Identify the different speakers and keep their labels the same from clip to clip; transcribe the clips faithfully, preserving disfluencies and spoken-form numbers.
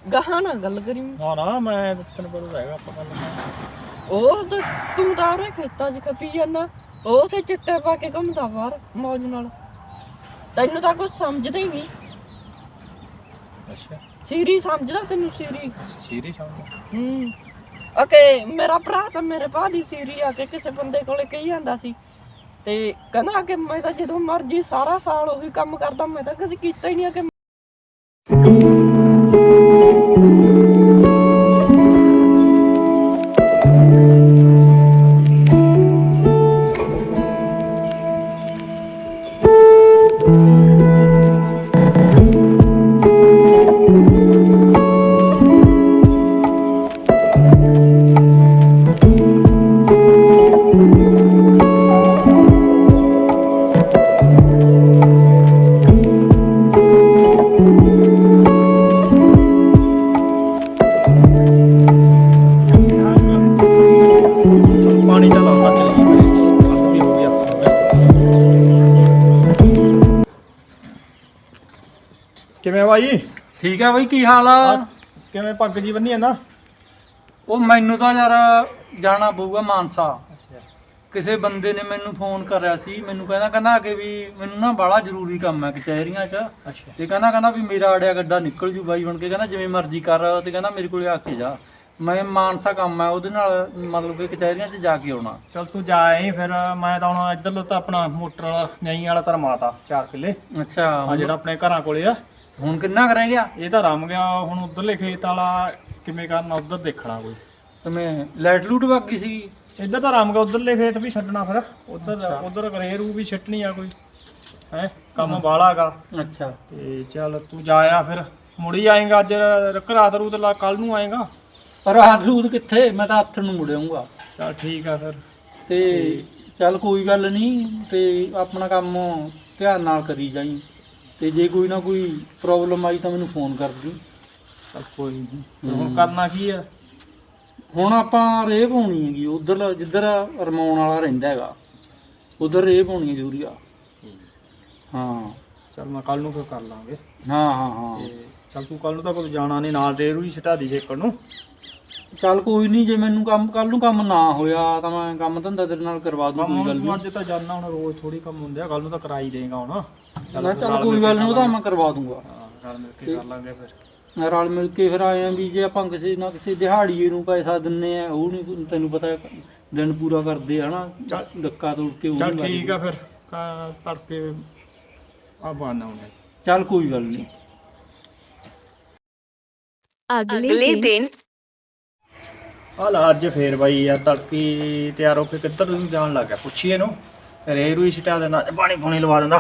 Speaker 1: ਗਾਹਾਂ ਨਾ ਗੱਲ ਕਰੀ।
Speaker 2: ਨਾ ਨਾ ਮੈਂ ਤੈਨੂੰ ਪਤਾ ਹੈਗਾ ਆਪਾਂ ਗੱਲ।
Speaker 1: ਉਹ ਤਾਂ ਤੂੰ ਤਾਂ ਉਹਨੇ ਖੇਤਾਂ 'ਚ ਖਪੀ ਜਾਂਦਾ, ਉਹ ਉੱਥੇ ਚਿੱਟੇ ਪਾ ਕੇ ਘੁੰਮਦਾ ਬਾਹਰ ਮੌਜ ਨਾਲ। ਤੈਨੂੰ ਤਾਂ ਕੁਛ ਸਮਝਦਾ ਹੀ ਨਹੀਂ।
Speaker 2: ਅੱਛਾ
Speaker 1: ਸੀਰੀ ਸਮਝਦਾ ਤੈਨੂੰ? ਸੀਰੀ
Speaker 2: ਸੀਰੀ ਸਮਝ।
Speaker 1: ਹੂੰ ਓਕੇ। ਮੇਰਾ ਭਰਾ ਤਾਂ ਮੇਰੇ ਭਾ ਦੀ ਸੀਰੀ ਆ ਕੇ ਕਿਸੇ ਬੰਦੇ ਕੋਲੇ ਕਹੀ ਜਾਂਦਾ ਸੀ, ਤੇ ਕਹਿੰਦਾ ਕਿ ਮੈਂ ਤਾਂ ਜਦੋਂ ਮਰਜੀ ਸਾਰਾ ਸਾਲ ਉਹੀ ਕੰਮ ਕਰਦਾ, ਮੈਂ ਤਾਂ ਕਦੇ ਕੀਤਾ ਹੀ ਨਹੀਂ ਕਿ
Speaker 2: ਪਾਣੀ ਤਾਂ ਲਾਉਣਾ ਚੱਲੀ ਵੀ ਹੋ ਗਿਆ। ਕਿਵੇਂ ਬਾਈ?
Speaker 3: ਠੀਕ ਆ ਬਈ, ਕੀ ਹਾਲ ਆ?
Speaker 2: ਕਿਵੇਂ ਪੱਗ ਜੀ ਬੰਨੀ ਜਾਂਦਾ?
Speaker 3: ਉਹ ਮੈਨੂੰ ਤਾਂ ਯਾਰ ਜਾਣਾ ਪਊਗਾ ਮਾਨਸਾ। ਕਿਸੇ ਬੰਦੇ ਨੇ ਮੈਨੂੰ ਫੋਨ ਕਰਿਆ ਸੀ, ਮੈਨੂੰ ਕਹਿੰਦਾ ਕਹਿੰਦਾ ਕਿ ਵੀ ਮੈਨੂੰ ਨਾ ਬੜਾ ਜ਼ਰੂਰੀ ਕੰਮ ਹੈ ਕਚਹਿਰੀਆਂ 'ਚ।
Speaker 2: ਅੱਛਾ
Speaker 3: ਤੇ ਕਹਿੰਦਾ ਕਹਿੰਦਾ ਵੀ ਮੇਰਾ ਅੜਿਆ ਗੱਡਾ ਨਿਕਲ ਜੂ ਬਾਈ ਬਣ ਕੇ, ਕਹਿੰਦਾ ਜਿਵੇਂ ਮਰਜ਼ੀ ਕਰ, ਤੇ ਕਹਿੰਦਾ ਮੇਰੇ ਕੋਲੇ ਆ ਕੇ ਜਾ। ਮੈਂ ਮਾਨਸਾ ਕੰਮ ਹੈ ਉਹਦੇ ਨਾਲ, ਮਤਲਬ ਕਿ ਕਚਹਿਰੀਆਂ 'ਚ ਜਾ ਕੇ ਆਉਣਾ।
Speaker 2: ਚੱਲ ਤੂੰ ਜਾ ਆਈ ਫਿਰ। ਮੈਂ ਤਾਂ ਹੁਣ ਇੱਧਰ ਤਾਂ ਆਪਣਾ ਮੋਟਰ ਵਾਲਾ ਨਹੀਂ ਵਾਲਾ ਤਾਂ ਮਾਤਾ ਚਾਰ ਕਿੱਲੇ
Speaker 3: ਅੱਛਾ,
Speaker 2: ਆ ਜਿਹੜਾ ਆਪਣੇ ਘਰਾਂ ਕੋਲੇ ਆ।
Speaker 3: ਹੁਣ ਕਿੰਨਾ ਕਰ ਰਹਿ ਗਿਆ?
Speaker 2: ਇਹ ਤਾਂ ਰਮ ਗਿਆ। ਹੁਣ ਉਧਰਲੇ ਖੇਤ ਵਾਲਾ ਕਿਵੇਂ ਕਰਨਾ, ਉਧਰ ਦੇਖਣਾ ਕੋਈ।
Speaker 3: ਕਿਵੇਂ ਲਾਈਟ ਲੂਟ ਵਗ ਗਈ ਸੀ?
Speaker 2: ਇੱਧਰ ਤਾਂ ਰਮ ਗਿਆ, ਉਧਰਲੇ ਖੇਤ ਵੀ ਛੱਡਣਾ ਫਿਰ। ਉਧਰ ਉਧਰ ਕਰੇ ਰੂ ਵੀ ਛੱਟਣੀ ਆ ਕੋਈ ਹੈ, ਕੰਮ ਬਾਹਲਾ ਗਾ।
Speaker 3: ਅੱਛਾ
Speaker 2: ਤੇ ਚੱਲ ਤੂੰ ਜਾ ਆ ਫਿਰ। ਮੁੜੀ ਆਏਗਾ ਅੱਜ ਰਾਤ ਰੂਤ ਲਾ, ਕੱਲ ਨੂੰ ਆਏਗਾ?
Speaker 3: ਰਾਤ ਰੂਤ ਕਿੱਥੇ, ਮੈਂ ਤਾਂ ਹੱਥ ਨੂੰ ਮੁੜ ਆਊਂਗਾ।
Speaker 2: ਚੱਲ ਠੀਕ ਆ ਫਿਰ।
Speaker 3: ਤੇ ਚੱਲ ਕੋਈ ਗੱਲ ਨਹੀਂ, ਤੇ ਆਪਣਾ ਕੰਮ ਧਿਆਨ ਨਾਲ ਕਰੀ ਜਾਈ, ਤੇ ਜੇ ਕੋਈ ਨਾ ਕੋਈ ਪ੍ਰੋਬਲਮ ਆਈ ਤਾਂ ਮੈਨੂੰ ਫੋਨ ਕਰ ਦੀ।
Speaker 2: ਚੱਲ ਕੋਈ ਨਹੀਂ। ਹੁਣ ਕਰਨਾ ਕੀ ਆ?
Speaker 3: ਹੁਣ ਆਪਾਂ ਰੇਹ ਪਾਉਣੀ ਹੈਗੀ ਉਧਰ, ਜਿੱਧਰ ਰਮਾਉਣ ਵਾਲਾ ਰਹਿੰਦਾ ਹੈਗਾ, ਉਧਰ ਰੇਹ ਪਾਉਣੀ ਹੈ ਯੂਰੀਆ। ਹਾਂ
Speaker 2: ਚੱਲ ਮੈਂ ਕੱਲ ਨੂੰ ਫਿਰ ਕਰ ਲਾਂਗੇ।
Speaker 3: ਹਾਂ ਹਾਂ ਹਾਂ
Speaker 2: ਤੇ ਚੱਲ ਤੂੰ ਕੱਲ ਨੂੰ ਤਾਂ ਕੋਈ ਜਾਣਾ ਨਹੀਂ, ਨਾਲ ਰੇਰੂ ਹੀ ਛਟਾ ਦੀ ਜੇਕਰ ਨੂੰ।
Speaker 3: ਚੱਲ ਕੋਈ ਨਹੀਂ, ਜੇ ਮੈਨੂੰ ਕੰਮ ਕੱਲ ਨੂੰ ਕੰਮ ਨਾ ਹੋਇਆ ਤਾਂ ਮੈਂ ਕੰਮ ਧੰਦਾ ਤੇਰੇ ਨਾਲ ਕਰਵਾ ਦੂੰ, ਕੋਈ ਗੱਲ ਨਹੀਂ।
Speaker 2: ਅੱਜ ਤਾਂ ਜਾਣਾ, ਹੁਣ ਰੋਜ਼ ਥੋੜੀ ਕੰਮ ਹੁੰਦੇ ਆ, ਕੱਲ ਨੂੰ ਤਾਂ ਕਰਾ ਹੀ ਦੇਗਾ ਹੁਣ।
Speaker 3: ਚੱਲ ਚੱਲ ਕੋਈ ਗੱਲ ਨਹੀਂ, ਉਹ ਤਾਂ ਮੈਂ ਕਰਵਾ ਦੂੰਗਾ।
Speaker 2: ਨਾਲ ਮਿਲ ਕੇ ਕਰ ਲਾਂਗੇ ਫਿਰ।
Speaker 3: ਰਲ ਮਿਲ ਕੇ ਫਿਰ ਆਏ ਆ ਵੀ ਜੇ ਆਪਾਂ ਕਿਸੇ ਨਾ ਕਿਸੇ ਦਿਹਾੜੀਏ ਨੂੰ ਪੈਸਾ ਦਿੰਨੇ ਆ, ਉਹ ਨਹੀਂ ਤੈਨੂੰ ਪਤਾ ਦਿਨ ਪੂਰਾ ਕਰਦੇ ਆ ਨਾ, ਡੱਕਾ ਤੋੜ ਕੇ ਉਹ।
Speaker 2: ਚੱਲ ਠੀਕ ਆ ਫਿਰ, ਤੜਕੇ ਆ ਬਾਨਾ ਹੁੰਦੇ।
Speaker 3: ਚੱਲ ਕੋਈ ਗੱਲ ਨਹੀਂ।
Speaker 4: ਅਗਲੇ ਦਿਨ
Speaker 2: ਆ ਲਾ ਅੱਜ ਫੇਰ ਬਾਈ ਯਾਰ ਤੜਕੀ ਤਿਆਰ ਹੋ ਕੇ ਕਿੱਧਰ ਨੂੰ ਜਾਣ ਲੱਗ ਗਿਆ, ਪੁੱਛੀਏ ਇਹਨੂੰ। ਰੇ ਰੂਈ ਛਟਾ ਦੇਣਾ, ਪਾਣੀ ਪੂਣੀ ਲਵਾ ਦਿੰਦਾ।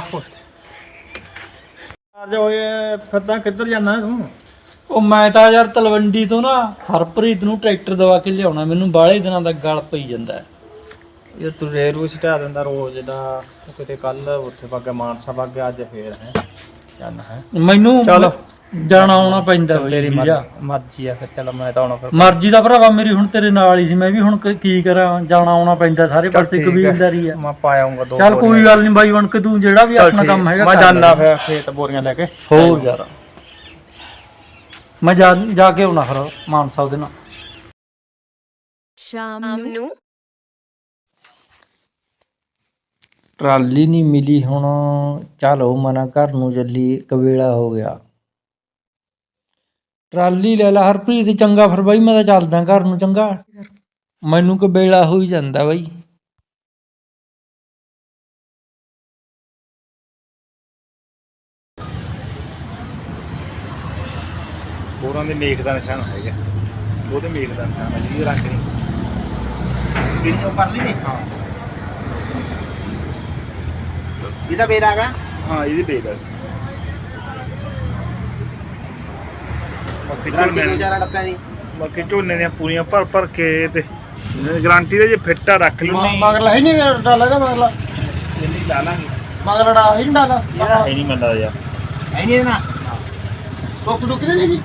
Speaker 2: ਅੱਜ ਹੋਏ ਫਿਰਦਾ, ਕਿੱਧਰ ਜਾਂਦਾ ਤੂੰ?
Speaker 3: ਉਹ ਮੈਂ ਤਾਂ ਯਾਰ ਤਲਵੰਡੀ ਤੋਂ ਨਾ ਹਰਪ੍ਰੀਤ ਨੂੰ ਟਰੈਕਟਰ ਦਵਾ ਕੇ ਲਿਆਉਣਾ, ਮੈਨੂੰ ਬਾਹਲੇ ਦਿਨਾਂ ਦਾ ਗਲ ਪਈ ਜਾਂਦਾ
Speaker 2: ਇਹ ਤੂੰ ਰੇ ਰੂਈ ਛਟਾ ਦਿੰਦਾ ਰੋਜ਼ ਦਾ। ਕਿਤੇ ਕੱਲ ਉੱਥੇ ਵਗ ਗਿਆ ਮਾਨਸਾ ਵਗ ਗਿਆ, ਅੱਜ ਫੇਰ ਹੈ ਜਾਣਾ ਹੈ।
Speaker 3: ਮੈਨੂੰ
Speaker 2: ਚੱਲ
Speaker 3: ਜਾਣਾ ਆਉਣਾ ਪੈਂਦਾ ਬਈ,
Speaker 2: ਤੇਰੀ ਮਰਜ਼ੀ ਆ ਫਿਰ। ਚੱਲ ਮੈਂ ਤਾਂ ਆਉਣਾ ਫਿਰ।
Speaker 3: ਮਰਜ਼ੀ ਦਾ ਭਰਾਵਾ ਮੇਰੀ ਹੁਣ ਤੇਰੇ ਨਾਲ ਹੀ ਸੀ, ਮੈਂ ਵੀ ਹੁਣ ਕੀ ਕਰਾਂ, ਜਾਣਾ ਆਉਣਾ ਪੈਂਦਾ ਸਾਰੇ ਪਾਸੇ, ਕਬੀਲਦਾਰੀ ਆ।
Speaker 2: ਮੈਂ ਪਾ ਆਉਂਗਾ ਦੋ।
Speaker 3: ਚੱਲ ਕੋਈ ਗੱਲ ਨਹੀਂ ਬਾਈ ਬਣ ਕੇ, ਤੂੰ ਜਿਹੜਾ ਵੀ ਆਪਣਾ ਕੰਮ ਹੈਗਾ
Speaker 2: ਮੈਂ ਜਾਣਾ ਫਿਰ ਖੇਤ ਬੋਰੀਆਂ ਲੈ ਕੇ।
Speaker 3: ਹੋਰ ਯਾਰ ਮੈਂ ਜਾ ਜਾ ਕੇ ਆਉਣਾ ਫਿਰ ਮਾਨਸਾ ਉਹਦੇ ਨਾਲ।
Speaker 4: ਸ਼ਾਮ ਨੂੰ
Speaker 5: ਟਰਾਲੀ ਨਹੀਂ ਮਿਲੀ, ਹੁਣ ਚਲੋ ਮਨਾ ਘਰ ਨੂੰ ਚੱਲੀ, ਕਵੇਲਾ ਹੋ ਗਿਆ। ਟਰਾਲੀ ਲੈ ਲਾ ਹਰਪ੍ਰੀਤ, ਚੰਗਾ ਫਿਰ ਬਾਈ ਮੈਂ ਤਾਂ ਚੱਲਦਾ ਘਰ ਨੂੰ। ਚੰਗਾ, ਮੈਨੂੰ ਕਵੇਲਾ ਹੋ ਹੀ ਜਾਂਦਾ ਬਾਈ।
Speaker 2: ਬੋਰਾਂ ਦੇ ਮੇਖ ਦਾ ਨਿਸ਼ਾਨ ਹੈਗਾ, ਉਹਦੇ ਮੇਖ ਦਾ ਨਿਸ਼ਾਨ ਹੈ ਜੀ, ਰੰਗ ਨਹੀਂ ਕਿਹੜੀ ਚੋਂ ਕਰ ਲਈ ਨੇ। ਹਾਂ ਇਹਦਾ ਬੇਦ ਆਗਾ। ਹਾਂ ਇਹਦੀ ਬੇਦ ਹੈ। ਬਾਕੀ ਝੋਨੇ ਚਾਰਾ ਡੱਬਿਆਂ ਦੀ, ਬਾਕੀ ਝੋਨੇ ਦੀਆਂ ਪੂਰੀਆਂ ਭਰ ਭਰ ਕੇ ਤੇ ਗਾਰੰਟੀ ਦੇ ਜੇ ਫਿੱਟਾ ਰੱਖ ਲਈ। ਮਗਰਲਾ ਹੈ ਨਹੀਂ ਡਾਲਾ ਦਾ, ਮਗਰਲਾ ਜਿੰਨੀ ਲਾ ਲਾਂਗੇ। ਮਗਰਲਾ ਹੈ ਨਹੀਂ ਡਾਲਾ, ਹੈ ਨਹੀਂ ਮੰਦਾ ਯਾਰ, ਹੈ ਨਹੀਂ ਇਹਦੇ ਨਾਲ ਟੋਕ ਟੋਕ ਦੇ ਨਹੀਂ।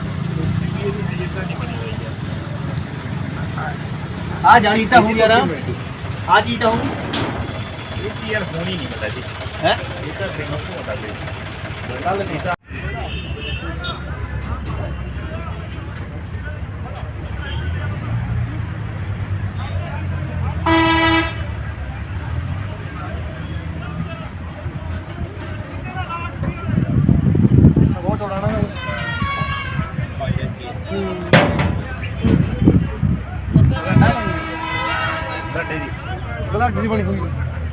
Speaker 2: ਆ ਜਾਣੀ ਤਾਂ ਹੋ ਯਾਰ, ਆ ਜੀ ਤਾਂ ਹੋ। ਇਹ ਚੀਜ਼ ਯਾਰ ਹੋਣੀ ਨਹੀਂ ਪਤਾ ਜੀ ਹੈ, ਇਹ ਤਾਂ ਦੇਖੋ ਪਤਾ ਜੀ ਗੱਲ ਨਹੀਂ ਤਾਂ। ਅਗਲਾ ਦੀ ਬਣੀ ਹੋਈ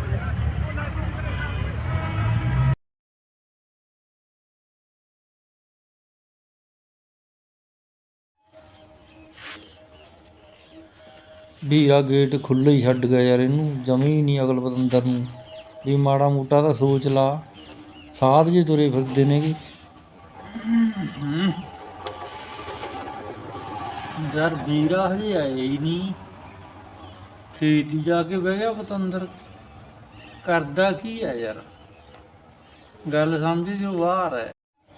Speaker 5: ਵੀਰਾ ਗੇਟ ਖੁੱਲ੍ਹਾ ਹੀ ਛੱਡ ਗਿਆ ਯਾਰ, ਇਹਨੂੰ ਜਮੀ ਨਹੀਂ ਅਕਲ ਪਤੰਦਰ ਨੂੰ ਵੀ ਮਾੜਾ ਮੋਟਾ ਤਾਂ ਸੋਚ ਲਾ। ਸਾਧ ਜੇ ਤੁਰੇ ਫਿਰਦੇ ਨੇਗੇ।
Speaker 3: ਯਾਰ ਵੀਰਾ ਹਜੇ ਆਇਆ ਹੀ ਨਹੀਂ, ਖੇਤ ਹੀ ਜਾ ਕੇ ਬਹਿ ਗਿਆ ਪਤੰਦਰ। ਕਰਦਾ ਕੀ ਹੈ ਯਾਰ, ਗੱਲ ਸਮਝ ਜੋ ਬਾਹਰ ਹੈ।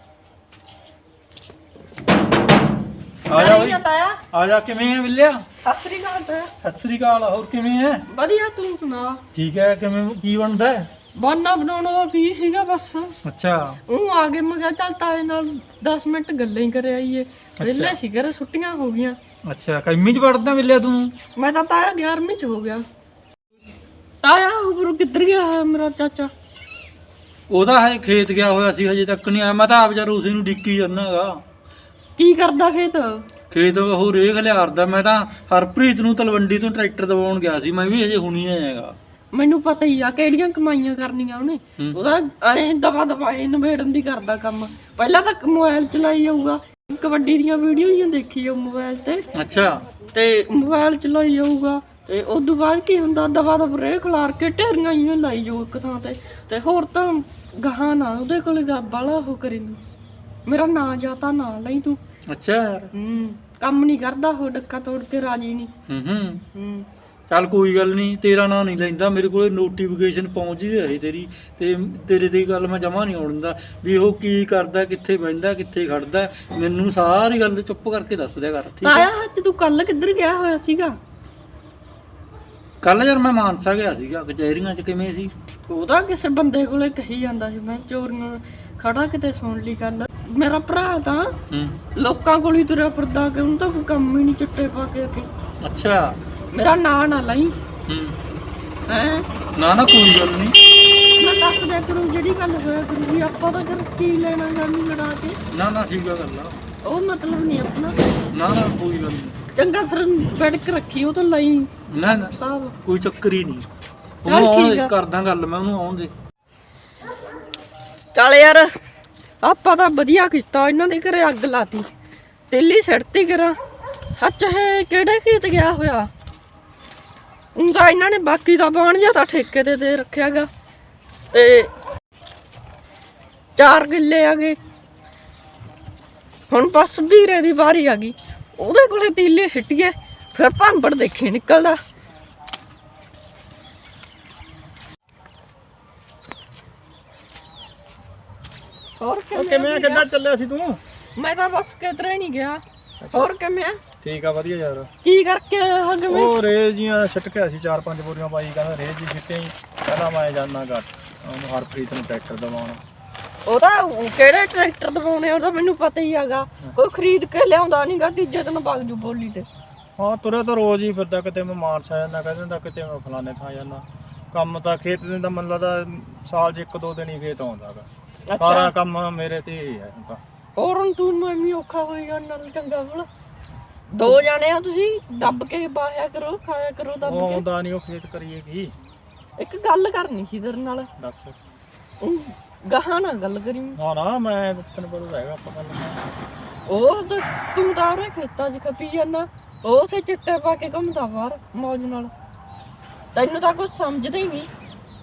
Speaker 3: ਆ ਜਾ ਬਈ, ਆ ਜਾ। ਕਿਵੇਂ ਹੈ ਬਿੱਲਿਆ?
Speaker 1: ਸਤਿ ਸ੍ਰੀ ਅਕਾਲ ਤਾਇਆ।
Speaker 3: ਸਤਿ ਸ੍ਰੀ ਅਕਾਲ। ਹੋਰ ਕਿਵੇਂ ਹੈ?
Speaker 1: ਵਧੀਆ, ਤੂੰ ਸੁਣਾ।
Speaker 3: ਠੀਕ ਹੈ। ਕਿਵੇਂ ਕੀ ਬਣਦਾ ਹੈ?
Speaker 1: ਬਾਨਾ ਬਣਾਉਣ ਦਾ ਕੀ ਸੀਗਾ ਬਸ।
Speaker 3: ਅੱਛਾ,
Speaker 1: ਉਹ ਆ ਗਏ, ਮੈਂ ਕਿਹਾ ਚੱਲ ਤਾਏ ਨਾਲ ਦਸ ਮਿੰਟ ਗੱਲਾਂ ਹੀ ਕਰ ਆਈਏ। ਵਿਹਲੇ ਸੀ ਘਰੇ, ਛੁੱਟੀਆਂ ਹੋ ਗਈਆਂ।
Speaker 3: ਅੱਛਾ। ਕਿੰਨੀ ਚ ਪੜਦਾ ਬਿੱਲਿਆ ਤੂੰ?
Speaker 1: ਮੈਂ ਤਾਂ ਤਾਇਆ ਗਿਆਰਵੀਂ ਚ ਹੋ ਗਿਆ। ਤਾਇਆ ਉਪਰੋਂ ਕਿੱਧਰ ਗਿਆ ਹੈ ਮੇਰਾ ਚਾਚਾ?
Speaker 3: ਉਹਦਾ ਹਜੇ ਖੇਤ ਗਿਆ ਹੋਇਆ ਸੀ, ਹਜੇ ਤੱਕ ਨਹੀਂ ਆਇਆ। ਮੈਂ ਤਾਂ ਆਪ ਯਾਰ ਉਸੇ ਨੂੰ ਡਿੱਕੀ ਜਾਂਦਾਗਾ।
Speaker 1: ਕੀ ਕਰਦਾ ਖੇਤ?
Speaker 3: ਖੇਤ ਉਹ ਰੇਖ ਲਿਆਰਦਾ। ਮੈਂ ਤਾਂ ਹਰਪ੍ਰੀਤ ਨੂੰ ਤਲਵੰਡੀ ਤੋਂ ਟਰੈਕਟਰ ਦਵਾਉਣ ਗਿਆ ਸੀ। ਮੈਂ ਵੀ ਹਜੇ ਹੁਣੀ ਆਇਆਗਾ।
Speaker 1: ਮੈਨੂੰ ਪਤਾ ਹੀ ਆ ਕਿਹੜੀਆਂ ਕਮਾਈਆਂ ਕਰਨੀਆਂ ਉਹਨੇ। ਉਹਦਾ ਐ ਦਵਾ ਦਵਾ ਨਵੇੜਨ ਦੀ ਕਰਦਾ ਕੰਮ। ਪਹਿਲਾਂ ਤਾਂ ਮੋਬਾਈਲ ਚਲਾਈ ਜਾਊਗਾ, ਕਬੱਡੀ ਦੀਆਂ ਵੀਡੀਓ ਹੀ ਦੇਖੀ ਜਾਊ ਮੋਬਾਈਲ ਤੇ।
Speaker 3: ਅੱਛਾ।
Speaker 1: ਤੇ ਮੋਬਾਈਲ ਚਲਾਈ ਜਾਊਗਾ, ਤੇ ਉਦੋਂ ਬਾਅਦ ਕੀ ਹੁੰਦਾ, ਦਵਾ ਦਵ ਰੇ ਖਿਲਾਰ ਕੇ ਢੇਰੀਆਂ ਹੀ ਲਾਈ ਜਾਊ ਇੱਕ ਥਾਂ ਤੇ। ਤੇ ਹੋਰ ਤਾਂ ਗਾਹਾਂ ਨਾ ਉਹਦੇ ਕੋਲ ਬਾਲਾ ਉਹ ਕਰੀ। ਮੇਰਾ ਨਾਂ ਜਾਂ ਤਾਂ ਨਾ ਲਈ ਤੂੰ।
Speaker 3: ਅੱਛਾ ਯਾਰ।
Speaker 1: ਹੂੰ, ਕੰਮ ਨਹੀਂ ਕਰਦਾ ਉਹ, ਡੱਕਾ ਤੋੜ ਕੇ ਰਾਜੀ ਨਹੀਂ।
Speaker 3: ਹੂੰ ਹੂੰ
Speaker 1: ਹੂੰ
Speaker 3: ਚੱਲ ਕੋਈ ਗੱਲ ਨਹੀਂ, ਤੇਰਾ ਨਾਂ ਨਹੀਂ ਲੈਂਦਾ। ਮੇਰੇ ਕੋਲ ਨੋਟੀਫਿਕੇਸ਼ਨ ਪਹੁੰਚ ਹੀ ਰਹੀ ਤੇਰੀ, ਤੇ ਤੇਰੇ ਦੀ ਗੱਲ ਮੈਂ ਜਮਾ ਨਹੀਂ ਆਉਣ ਦਿੰਦਾ ਵੀ ਉਹ ਕੀ ਕਰਦਾ, ਕਿੱਥੇ ਬਹਿੰਦਾ, ਕਿੱਥੇ ਖੜਦਾ। ਮੈਨੂੰ ਸਾਰੀ ਗੱਲ ਚੁੱਪ ਕਰਕੇ ਦੱਸ ਦਿਆ ਕਰ, ਠੀਕ ਹੈ?
Speaker 1: ਤਾਇਆ ਅੱਜ ਤੂੰ ਕੱਲ ਕਿੱਧਰ ਗਿਆ ਹੋਇਆ ਸੀਗਾ?
Speaker 3: ਕੱਲ ਯਾਰ ਮੈਂ ਮਾਨਸਾ ਗਿਆ ਸੀਗਾ, ਕਚਹਿਰੀਆਂ 'ਚ। ਕਿਵੇਂ ਸੀ?
Speaker 1: ਉਹਦਾ ਕਿਸੇ ਬੰਦੇ ਕੋਲੇ ਕਹੀ ਜਾਂਦਾ ਸੀ, ਮੈਂ ਚੋਰੀਆਂ ਖੜਾ ਕਿਤੇ ਸੁਣ ਲਈ ਗੱਲ। ਮੇਰਾ ਭਰਾ ਤਾਂ
Speaker 3: ਹੂੰ
Speaker 1: ਲੋਕਾਂ ਕੋਲ ਹੀ ਤੁਰਿਆ ਫਿਰਦਾ, ਕਿ ਉਹਨੂੰ ਤਾਂ ਕੋਈ ਕੰਮ ਹੀ ਨਹੀਂ ਚਿੱਟੇ ਪਾ ਕੇ ਅੱਗੇ।
Speaker 3: ਅੱਛਾ।
Speaker 1: ਮੇਰਾ ਨਾਂ ਨਾ ਲਈ
Speaker 3: ਹੂੰ
Speaker 1: ਹੈ।
Speaker 3: ਨਾ ਨਾ ਕੋਈ ਗੱਲ ਨਹੀਂ,
Speaker 1: ਮੈਂ ਦੱਸ ਦਿਆ ਕਰੂੰ ਜਿਹੜੀ ਗੱਲ ਹੋਇਆ ਕਰੂਗੀ। ਆਪਾਂ ਤਾਂ ਕਰ ਕੀ ਲੈਣਾ ਜਾਨੀ ਲੜਾ ਕੇ।
Speaker 3: ਨਾ ਨਾ ਠੀਕ ਆ ਗੱਲ ਆ।
Speaker 1: ਉਹ ਮਤਲਬ ਨਹੀਂ ਆਪਣਾ।
Speaker 3: ਨਾ ਨਾ ਕੋਈ ਗੱਲ ਨਹੀਂ।
Speaker 1: ਚੰਗਾ ਫਿਰ ਬੈਠ ਰੱਖੀ, ਉਹ ਤਾਂ ਲਈ
Speaker 3: ਨਾ ਨਾ
Speaker 1: ਸਾਹਿਬ।
Speaker 3: ਕੋਈ ਚੱਕਰ ਹੀ ਨਹੀਂ।
Speaker 1: ਚੱਲ
Speaker 3: ਉਹਨੂੰ ਆਉਣ
Speaker 1: ਠੀਕ
Speaker 3: ਦੇ,
Speaker 1: ਆ।
Speaker 3: ਕਰਦਾ ਗੱਲ ਮੈਂ ਉਹਨੂੰ, ਆਉਣ ਦੇ।
Speaker 1: ਚੱਲ ਯਾਰ, ਆਪਾਂ ਤਾਂ ਵਧੀਆ ਕੀਤਾ, ਇਹਨਾਂ ਦੇ ਘਰੇ ਅੱਗ ਲਾਤੀ, ਤੇਲੀ ਸੜਤੀ ਕਰਾਂ। ਸੱਚ ਹੈ, ਕਿਹੜੇ ਖੇਤ ਗਿਆ ਹੋਇਆ? ਉਹਦਾ ਇਹਨਾਂ ਨੇ ਬਾਕੀ ਦਾ ਬਾਣ ਜਿਹਾ ਤਾਂ ਠੇਕੇ ਤੇ ਦੇ ਰੱਖਿਆਗਾ, ਤੇ ਚਾਰ ਕਿੱਲੇ ਆ ਗਏ। ਹੁਣ ਬਸ ਵੀਰੇ ਦੀ ਵਾਰੀ ਆ ਗਈ, ਉਹਦੇ ਕੋਲੇ ਤੀਲੇ ਸਿੱਟੀਏ, ਫਿਰ ਭਾਂਬੜ ਦੇਖੀ ਨਿਕਲਦਾ। ਹੋਰ
Speaker 2: ਕਿਵੇਂ ਕਿੱਦਾਂ ਚੱਲਿਆ ਸੀ ਤੂੰ?
Speaker 1: ਮੈਂ ਤਾਂ ਬਸ ਕਿਧਰੇ ਨਹੀਂ ਗਿਆ। ਹੋਰ ਕਿਵੇਂ?
Speaker 2: ਠੀਕ ਆ, ਵਧੀਆ ਯਾਰ।
Speaker 1: ਕੀ ਕਰਕੇ ਆਇਆ ਕਿਵੇਂ?
Speaker 2: ਉਹ ਰੇਜ ਜੀਆਂ ਛਿੱਟ ਕੇ ਸੀ, ਚਾਰ ਪੰਜ ਬੋਰੀਆਂ ਪਾਈ, ਕਹਿੰਦਾ ਰੇਜ ਜੀ ਛਿੱਟੇ ਹੀ। ਕਹਿੰਦਾ ਮੈਂ ਜਾਨਾ ਘੱਟ, ਉਹਨੂੰ ਹਰਪ੍ਰੀਤ ਨੂੰ ਟਰੈਕਟਰ ਦਵਾਉਣ।
Speaker 1: ਉਹਦਾ ਕਿਹੜੇ ਟਰੈਕਟਰ ਦਵਾਉਣੇ, ਉਹਦਾ ਮੈਨੂੰ ਪਤਾ ਹੀ ਹੈਗਾ। ਕੋਈ ਖਰੀਦ ਕੇ ਲਿਆਉਂਦਾ ਨਹੀਂਗਾ, ਤੀਜੇ ਦਿਨ ਵਗ ਜੂ ਬੋਲੀ ਤੇ।
Speaker 2: ਹਾਂ, ਤੁਰਿਆ ਤਾਂ ਰੋਜ਼ ਹੀ ਫਿਰਦਾ, ਕਿਤੇ ਮੈਂ ਮਾਨਸਾ ਜਾਂਦਾ ਕਹਿ ਦਿੰਦਾ, ਕਿਤੇ ਮੈਂ ਫਲਾਣੇ ਥਾਂ ਜਾਂਦਾ। ਕੰਮ ਤਾਂ ਖੇਤ ਦੇ ਤਾਂ ਮੈਨੂੰ ਲੱਗਦਾ ਸਾਲ 'ਚ ਇੱਕ ਦੋ ਦਿਨ ਹੀ ਖੇਤ ਆਉਂਦਾ ਗਾ। ਸਾਰਾ ਕੰਮ ਮੇਰੇ ਤੇ ਹੀ ਹੈ ਤਾਂ।
Speaker 1: ਹੋਰ ਹੁਣ ਤੂੰ ਮੈਂ ਔਖਾ ਹੋਏਗਾ ਨਾਲ, ਚੰਗਾ ਭਲਾ ਦੋ ਜਾਣੇ ਆ ਤੁਸੀਂ, ਦੱਬ ਕੇ ਬਾਹਿਆ ਕਰੋ, ਖਾਇਆ ਕਰੋ ਦੱਬ
Speaker 2: ਉਹ
Speaker 1: ਕੇ।
Speaker 2: ਆਉਂਦਾ ਨਹੀਂ, ਉਹ ਖੇਤ ਕਰੀਏ ਕੀ।
Speaker 1: ਇੱਕ ਗੱਲ ਕਰਨੀ ਸੀ ਤੇਰੇ ਨਾਲ।
Speaker 2: ਦੱਸ।
Speaker 1: ਉਹ ਗਾਹਾਂ ਨਾ ਗੱਲ ਕਰੀ।
Speaker 2: ਨਾ ਨਾ, ਮੈਂ ਤੈਨੂੰ ਪਤਾ ਹੈਗਾ ਆਪਾਂ ਗੱਲ।
Speaker 1: ਉਹ ਤਾਂ ਤੂੰ ਤਾਂ ਉਹਰੇ ਖੇਤਾਂ 'ਚ ਖਪੀ ਜਾਂਦਾ, ਉਹ ਉੱਥੇ ਚਿੱਟੇ ਪਾ ਕੇ ਘੁੰਮਦਾ ਬਾਹਰ ਮੌਜ ਨਾਲ। ਤੈਨੂੰ ਤਾਂ ਕੁਝ ਸਮਝਦਾ ਹੀ ਨਹੀਂ।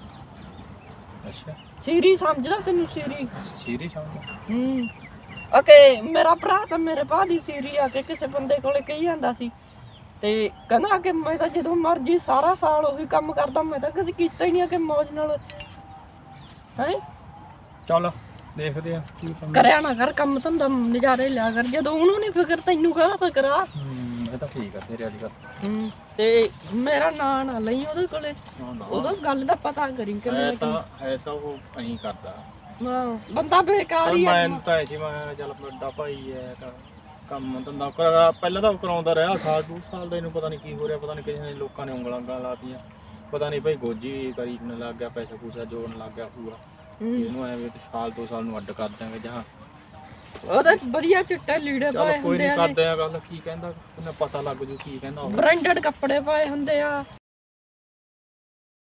Speaker 2: ਅੱਛਾ,
Speaker 1: ਸੀਰੀ ਸਮਝਦਾ ਤੈਨੂੰ? ਸੀਰੀ
Speaker 2: ਸੀਰੀ ਸਮਝ।
Speaker 1: ਹੂੰ ਓਕੇ, ਮੇਰਾ ਭਰਾ ਤਾਂ ਮੇਰੇ ਭਾ ਦੀ ਸੀਰੀ ਆ ਕੇ ਕਿਸੇ ਬੰਦੇ ਕੋਲੇ ਕਹੀ ਜਾਂਦਾ ਸੀ, ਤੇ ਕਹਿੰਦਾ ਕਿ ਮੈਂ ਤਾਂ ਜਦੋਂ ਮਰਜੀ ਸਾਰਾ ਸਾਲ ਉਹੀ ਕੰਮ ਕਰਦਾ, ਮੈਂ ਤਾਂ ਕਦੇ ਕੀਤਾ ਹੀ ਨਹੀਂ ਕਿ ਮੌਜ ਨਾਲ ਹੈ।
Speaker 2: ਚੱਲ ਦੇਖਦੇ ਆ ਕੀ
Speaker 1: ਕਰਿਆ ਨਾ ਕਰ ਕੰਮ ਧੰਦਾ, ਨਜ਼ਾਰੇ ਲਿਆ ਕਰ। ਜਦੋਂ ਉਹਨੂੰ ਨਹੀਂ ਫਿਕਰ, ਤੈਨੂੰ ਕਾਹਦਾ ਫਿਕਰ ਆ?
Speaker 2: ਹੂੰ, ਇਹ ਤਾਂ ਠੀਕ ਆ ਤੇਰੇ ਵਾਲੀ ਗੱਲ।
Speaker 1: ਹੂੰ, ਤੇ ਮੇਰਾ ਨਾਂ ਨਾ ਲਈ ਉਹਦੇ ਕੋਲੇ, ਉਹਦਾ ਗੱਲ ਦਾ ਪਤਾ ਕਰੀ ਕਿ
Speaker 2: ਹੈ
Speaker 1: ਮੈਂ
Speaker 2: ਤਾਂ ਹੈ ਤਾਂ ਉਹ ਐਂ ਕਰਦਾ।
Speaker 1: ਹਾਂ, ਬੰਦਾ ਬੇਕਾਰ ਹੀ ਆ।
Speaker 2: ਮੈਂ ਤਾਂ ਐ ਸੀ, ਮੈਂ ਚੱਲ ਵੱਡਾ ਭਾਈ ਹੈ ਤਾਂ ਕੰਮ ਧੰਦਾ ਕਰਾ, ਪਹਿਲਾਂ ਤਾਂ ਕਰਾਉਂਦਾ ਰਿਹਾ ਸਾਲ ਦੋ ਸਾਲ ਦਾ। ਇਹਨੂੰ ਪਤਾ ਨਹੀਂ ਕੀ ਹੋ ਰਿਹਾ, ਪਤਾ ਨਹੀਂ ਕਿਸੇ ਨੇ ਲੋਕਾਂ ਨੇ ਉਂਗਲਾਂ ਉਂਗਲਾਂ ਲਾਤੀਆਂ, ਪਤਾ ਨਹੀਂ ਭਾਈ ਗੋਜੀ ਕਰੀਨ ਲੱਗ ਗਿਆ, ਪੈਸਾ ਪੂਸਾ ਜੋੜਨ ਲੱਗ ਗਿਆ ਪੂਰਾ। ਇਹਨੂੰ ਐਵੇਂ ਸਾਲ ਦੋ ਸਾਲ ਨੂੰ ਅੱਡ ਕਰ ਦਿਆਂਗੇ ਜਾਂ
Speaker 1: ਉਹਦੇ ਵਧੀਆ ਚਿੱਟੇ ਲੀੜੇ
Speaker 2: ਚੱਲ
Speaker 1: ਪਾਏ
Speaker 2: ਕੋਈ
Speaker 1: ਹੁੰਦੇ
Speaker 2: ਨਹੀਂ,
Speaker 1: ਆ,
Speaker 2: ਕਰਦੇ ਆ ਗੱਲ। ਕੀ ਕਹਿੰਦਾ ਉਹਨੇ ਪਤਾ ਲੱਗ ਜੂ ਕੀ ਕਹਿੰਦਾ ਉਹ।
Speaker 1: ਬ੍ਰਾਂਡਡ ਕੱਪੜੇ ਪਾਏ ਹੁੰਦੇ ਆ।